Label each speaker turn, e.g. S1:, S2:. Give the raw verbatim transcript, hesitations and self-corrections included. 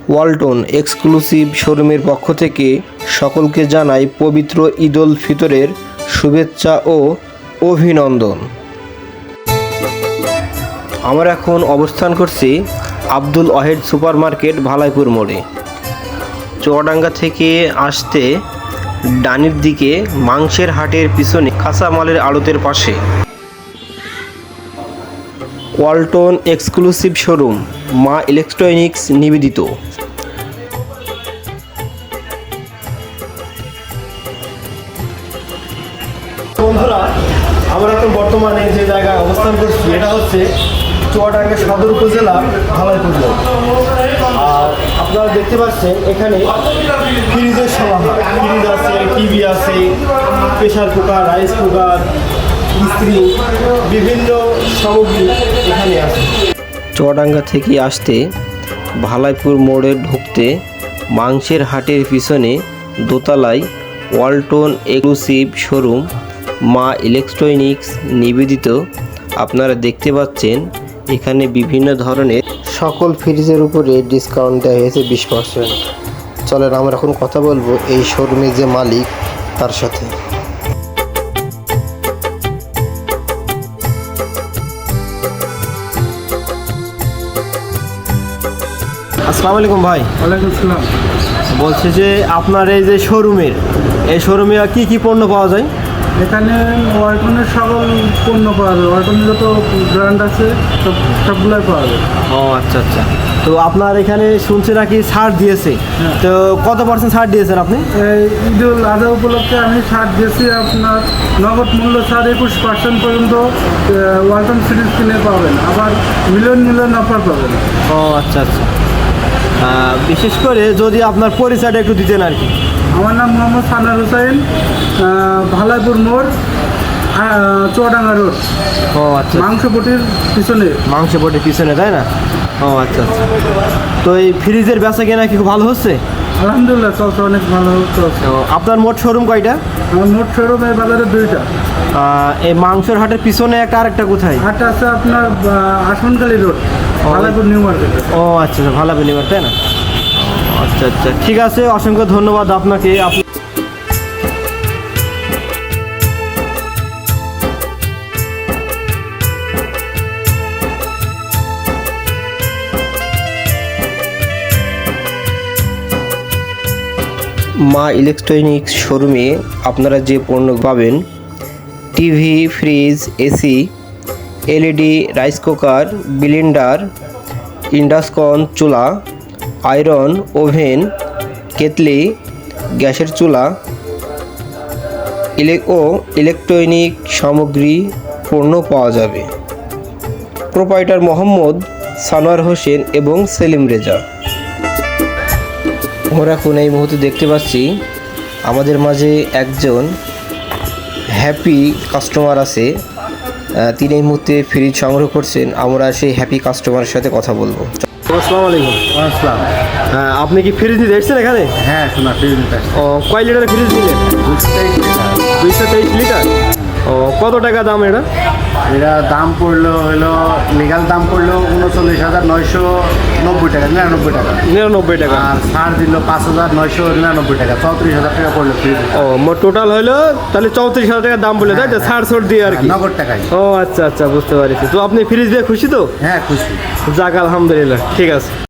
S1: Walton exclusive শোরুমের পক্ষ থেকে সকলকে জানাই পবিত্র ঈদ উল ফিতরের শুভেচ্ছা ও অভিনন্দন। আমরা এখন অবস্থান করছি আব্দুল ওয়াহেদ সুপার মার্কেট ভালাইপুর মোড়ে। চুয়াডাঙ্গা থেকে আসতে ডানির দিকে মাংসের হাটের পিছনে কাঁচামালের আড়তের পাশে Walton exclusive showroom Ma electronics নিবেদিত। বন্ধুরা, আমরা এখন বর্তমানে যে জায়গায় অবস্থান করছি এটা হচ্ছে চুয়াডাঙ্গা সদর উপজেলা ভালাইপুর মোড়। আর আপনারা দেখতে পাচ্ছেন এখানে ফ্রিজের সমাহার, ফ্রিজ আছে, টিভি আছে, প্রেশার কুকার, রাইস কুকার, ইস্ত্রি, বিভিন্ন সামগ্রী এখানে আছে। চুয়াডাঙ্গা থেকে আসতে ভালাইপুর মোড়ে ঢুকতে মাংসের হাটের পিছনে দোতলায় Walton exclusive showroom Ma electronics নিবেদিত। আপনারা দেখতে পাচ্ছেন এখানে বিভিন্ন ধরনের সকল ফ্রিজের উপরে ডিসকাউন্ট দেওয়া হয়েছে বিশ পার্সেন্ট। চলেন আমরা এখন কথা বলবো এই শোরুমের যে মালিক তার সাথে। আসসালামু আলাইকুম ভাই।
S2: ওয়ালাইকুম আসসালাম।
S1: বলছে যে আপনার এই যে শোরুমের এই শোরুমে কি কি পণ্য পাওয়া যায়?
S2: এখানে ওয়ালটনের সকল পণ্য পাওয়া যায়। ওয়ালটনের যত ব্র্যান্ড আছে সব সবগুলোই পাওয়া যায়।
S1: ও আচ্ছা আচ্ছা। তো আপনার এখানে শুনছি নাকি ছাড় দিয়েছে, তো কত পার্সেন্ট ছাড় দিয়েছেন আপনি?
S2: এই ঈদ উল আজহা উপলক্ষে আমি ছাড় দিয়েছি। আপনার নগদ মূল্য ছাড় একুশ পার্সেন্ট পর্যন্ত ওয়ালটন সিরিজ কিনে পাবেন, আবার মিলিয়ন মিলিয়ন অফার পাবেন।
S1: ও আচ্ছা আচ্ছা। বিশেষ করে যদি আপনার পরিচয়টা একটু দিতেন আর কি।
S2: আমার নাম মোহাম্মদ সানার হুসাইন, ভালাইপুর মোড়, চুয়াডাঙ্গা রোড।
S1: ও আচ্ছা।
S2: মাংসপটির পিছনে।
S1: মাংসপটির পিছনে, তাই না? ও আচ্ছা আচ্ছা। তো এই ফ্রিজের বেচা কেনা কি খুব ভালো হচ্ছে?
S2: আলহামদুলিল্লাহ, চলছে, অনেক ভালো চলছে।
S1: তো আপনার মোট শোরুম কয়টা?
S2: আমার মোট শোরুম এই বাজারে দুইটা।
S1: এই মাংসের হাটের পিছনে একটা আরেকটা কোথায়?
S2: হাটটা আছে আপনার আসনকালী রোড, ভালাইপুর নিউ মার্কেট।
S1: ও আচ্ছা আচ্ছা, ভালাইপুর নিউ মার্কেট, তাই না? আচ্ছা আচ্ছা, ঠিক আছে, অসংখ্য ধন্যবাদ আপনাকে। মা ইলেকট্রনিক্স শোরুমে আপনারা যে পণ্য পাবেন TV, fridge, AC, LED, rice cooker, blender, induction চুলা, আয়রন, ওভেন, কেতলি, গ্যাসের চুলা ও ইলেকট্রনিক সামগ্রী পণ্য পাওয়া যাবে। প্রোপাইটার মোহাম্মদ সানোয়ার হোসেন এবং সেলিম রেজা। আমরা এখন এই মুহূর্তে দেখতে পাচ্ছি আমাদের মাঝে একজন হ্যাপি কাস্টমার আছে, তিনি এই মুহূর্তে ফ্রিজ সংগ্রহ করছেন। আমরা সেই হ্যাপি কাস্টমারের সাথে কথা বলবো। আসসালামু আলাইকুম।
S2: আসসালাম।
S1: হ্যাঁ, আপনি কি ফ্রিজ নিতে এসেছেন এখানে?
S2: হ্যাঁ, শোনা ফ্রিজ নিতে।
S1: ও, কয় লিটারের ফ্রিজ নিলেন? দুইশো তেইশ লিটার। ও, কত টাকা দাম এটা?
S2: এটা দাম পড়লো হলো, লিগাল দাম পড়লো উনচল্লিশ হাজার নয়শো নব্বই টাকা, নিরানব্বই টাকা।
S1: নিরানব্বই টাকা।
S2: আর ছাড় দিল পাঁচ হাজার নয়শো নিরানব্বই টাকা, চৌত্রিশ হাজার টাকা পড়লো ফ্রিজ।
S1: ও, মোট টোটাল হলো তাহলে চৌত্রিশ হাজার টাকা দাম বলে, তাই তো? ছাড় ছাড় দিয়ে আর কি,
S2: নগদ টাকায়।
S1: ও আচ্ছা আচ্ছা, বুঝতে পারছি। তো আপনি ফ্রিজ দিয়ে খুশি তো?
S2: হ্যাঁ, খুশি।
S1: যাক, আলহামদুলিল্লাহ, ঠিক আছে।